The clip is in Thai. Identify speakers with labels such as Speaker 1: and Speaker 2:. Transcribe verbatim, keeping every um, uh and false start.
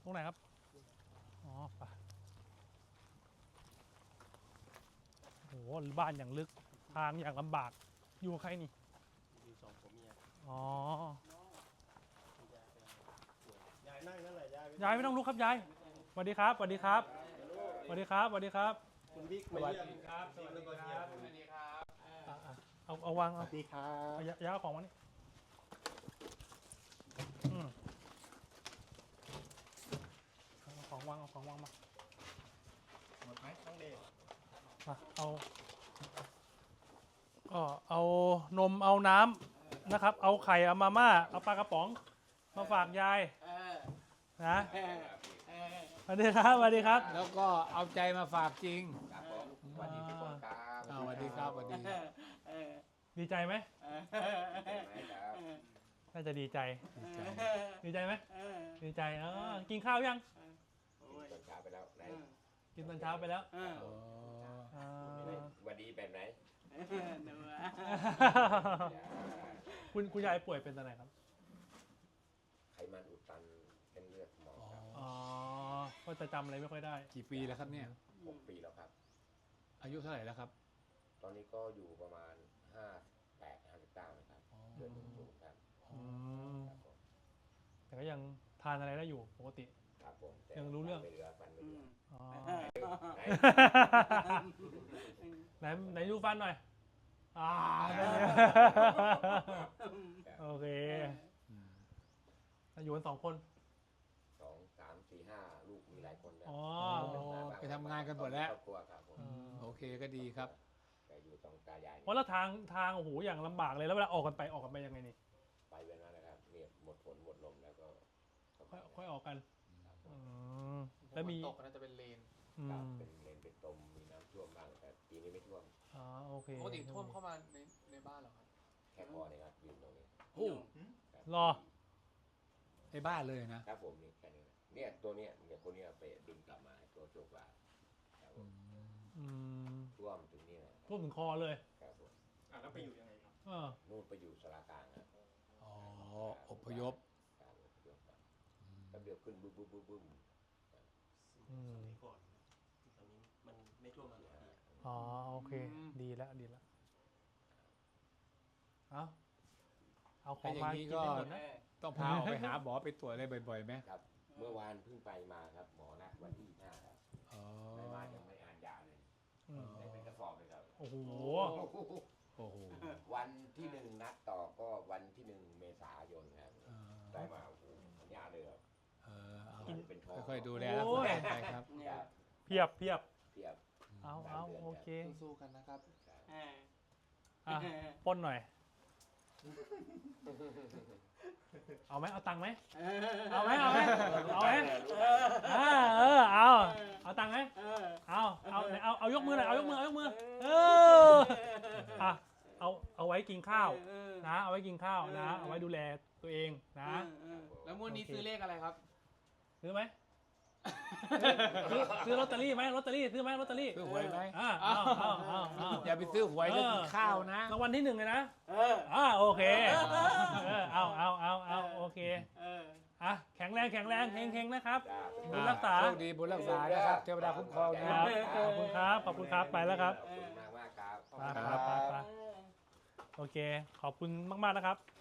Speaker 1: ตรงไหนครับอ๋อไปโอ้โหบ้านอย่างลึกทางอย่างลำบากอยู่กับใครนี่
Speaker 2: อยู่สองผัวเมีย
Speaker 1: อ๋อย
Speaker 2: ายนั่งนั่นแหละยาย
Speaker 1: ยายไม่ต้องลุกครับยายสวัสดีครับสวัสดีครับสวัสดีครับสวัสดีครับ
Speaker 2: คุณบิ๊กมาเยี่ยมครับสวัสดีครับสวัสดีครับ
Speaker 1: อ่ะอ่ะเอาเอาวาง
Speaker 2: ส
Speaker 1: เอา
Speaker 2: วัสดีครับ
Speaker 1: เอายาย้ายของมานี่อืมเอาของวางเอาของวางมา
Speaker 2: หมดไหมต้องเด็ก
Speaker 1: มาเอาก็เอานมเอาน้ำนะครับ เอาไข่เอามาม่าเอาปลากระป๋องมาฝากยายนะสวัสดีครับสวัสดีครับ
Speaker 3: แล้วก็เอาใจมาฝากจริง
Speaker 4: ครับผมสวัสดีทุกคนครับ
Speaker 3: อ่าสวัสดีครับสวัสดี
Speaker 1: ดีใจไหม
Speaker 4: เห็นไหมครับ
Speaker 1: น่าจะดีใจ
Speaker 3: ดีใจ
Speaker 1: ดีใจไหมดีใจเออกินข้าวยัง
Speaker 4: ตอนเช้าไปแล้วไหน
Speaker 1: กินตอนเช้าไปแล้ว
Speaker 3: อ๋อ
Speaker 1: อ่า
Speaker 4: สวัสดีแบบไหน
Speaker 1: คุณคุณยายป่วยเป็นอะไรครับ
Speaker 4: ไขมันอุดตันเส้นเลือดสมองครับ
Speaker 1: อ๋อก็จะจำอะไรไม่ค่อยได้
Speaker 3: กี่ปีแล้วครับเนี่ย
Speaker 4: หกปีแล้วครับ
Speaker 3: อายุเท่าไหร่แล้วครับ
Speaker 4: ตอนนี้ก็อยู่ประมาณห้าแปดห้าสิบเก้านะครับเดือนหนึ่งสูงครับ
Speaker 1: อืม
Speaker 4: ครับผม
Speaker 1: แต่ก็ยังทานอะไรได้อยู่ปกติ
Speaker 4: ครับผมแต่
Speaker 1: ยังรู้เรื่อง
Speaker 4: ฟันไม่เหลือฟันไม่เหลือ
Speaker 1: อ๋อ
Speaker 4: ไหน
Speaker 1: ไหนไหนดูฟันหน่อยอ่าได้เลยโอเค
Speaker 3: อืม
Speaker 1: อยู่กันสองคน
Speaker 4: สองสามสี่ห้าลูกมีหลายคนนะ
Speaker 1: อ๋อ
Speaker 3: ไปทำงานกันหมดแล้ว
Speaker 4: ครอบครัวครับผม
Speaker 1: อืม
Speaker 3: โอเคก็ดีครับ
Speaker 4: แต่อยู่ตรงตายาย
Speaker 1: เพราะแล้วทางทางโอ้โหอย่างลำบากเลยแล้วเวลาออกกันไปออกกันไปยังไงนี่
Speaker 4: ไปเป็นว่านะครับเนี่ยหมดฝนหมดลมแล้วก็
Speaker 1: ค่อยค่อยออกกัน
Speaker 4: ครับผ
Speaker 1: อื
Speaker 4: ม
Speaker 1: มแล้วมี
Speaker 5: ตกน่าจะเป็นเลน
Speaker 1: อื
Speaker 4: ครับ
Speaker 1: ม
Speaker 4: เป็นเลนเป็นตมมีน้ำท่วมบ้างแต่ปีนี้ไม่ท่วม
Speaker 1: อ๋อโอเค
Speaker 5: ปกติท่วมเข้ามาในในบ้านเหรอครับ
Speaker 4: แค่พอเนี่ยครับยืนตรงนี้
Speaker 3: โอ้
Speaker 4: ครับ
Speaker 1: รอ
Speaker 3: ในบ้านเลยนะ
Speaker 4: ครับผมนี่แค่นี้นะเนี่ยตัวเนี้ยเนี่ยคนเนี้ยไปดึงกลับมาให้ตัวโจกว่าครับผ
Speaker 3: อื
Speaker 4: ม
Speaker 3: ม
Speaker 1: อืม
Speaker 4: ท่วมถึงนี่นะ
Speaker 1: ท่วมถึงคอเลย
Speaker 4: ครับผม
Speaker 2: อ่ะแล้วไปอยู่ยังไงครับ
Speaker 1: เออ
Speaker 4: นู่นไปอยู่สารากลางครับ
Speaker 3: อ๋ออพยพ
Speaker 4: การอพยพครับ
Speaker 3: อืม
Speaker 4: แป๊บเดียวขึ้นบึ้มบึ้มบึ้มบึ้ม
Speaker 1: อืม
Speaker 2: สมัยก่อนตอนนี้มันไม่ท่วมมาหลายปี
Speaker 1: อ๋อโอเค ดีแล้วดีแล้วเอาเอาของมากินให้หมดนะ
Speaker 3: ต้องพาออกไปหาหมอไปตรวจอะไรบ่อยๆไหม
Speaker 4: ครับ เมื่อวานเพิ่งไปมาครับหมอนัดวันที่ห้าครับ
Speaker 3: อ๋อ
Speaker 4: ไม่มายังไม่อ่านยาเลย
Speaker 1: อืม
Speaker 4: ได้เป็นกระสอบเลยครับ
Speaker 1: โอ้โห
Speaker 3: โอ้โห
Speaker 4: วันที่หนึ่งนัดต่อก็วันที่หนึ่งเมษายนครับ
Speaker 3: เออ
Speaker 4: ได้มาโอ้โหสัญญาเลยครับ
Speaker 3: เออเอา
Speaker 4: เป็นทอง
Speaker 3: ค่อยๆดูแลรักษาไปครับ
Speaker 4: ครับ
Speaker 1: เพียบเพียบ
Speaker 4: เทียบ
Speaker 1: เอาเอาโอเค
Speaker 5: สู้ๆกันนะครับ
Speaker 1: อ่ะปล้นหน่อย เอาไหมเอาตังค์ไหมเอาไหมเอาไหมเอาไหมอ่าเออเอาเอาตังค์ไหมเอาเอาไหนเอาเอายกมือหน่อยเอายกมือเอายกมือเอออ่ะเอาเอาไว้กินข้าวนะเอาไว้กินข้าวนะเอาไว้ดูแลตัวเองนะ
Speaker 5: แล้วงวดนี้ซื้อเลขอะไรครับ
Speaker 1: ซื้อไหมซื้อซื้อลอตเตอรี่ไหมลอตเตอรี่ซื้อไหมลอตเตอรี่
Speaker 3: ซื้อหวยไหม
Speaker 1: อ่าเอาเอาเอาเอา
Speaker 3: อย่าไปซื้อหวยแล้วกินข้าวนะ
Speaker 1: รางวัลที่หนึ่งเลยนะอ่าโอเคเออเอาเอาเอาเอาโอเคอ่ะแข็งแรงแข็งแรงเฮงๆนะครับ
Speaker 4: จ้า
Speaker 1: บุญรักษา
Speaker 3: โชคดีบุญรักษานะครับเทวดาคุ้มครอง
Speaker 1: ค
Speaker 3: นะ
Speaker 1: รับขอบคุณครับขอบคุณครับไปแล้วครับ
Speaker 4: ขอบคุณมากมากๆครับ
Speaker 1: ไปไปไปไปโอเค ขอบคุณมากๆนะครับ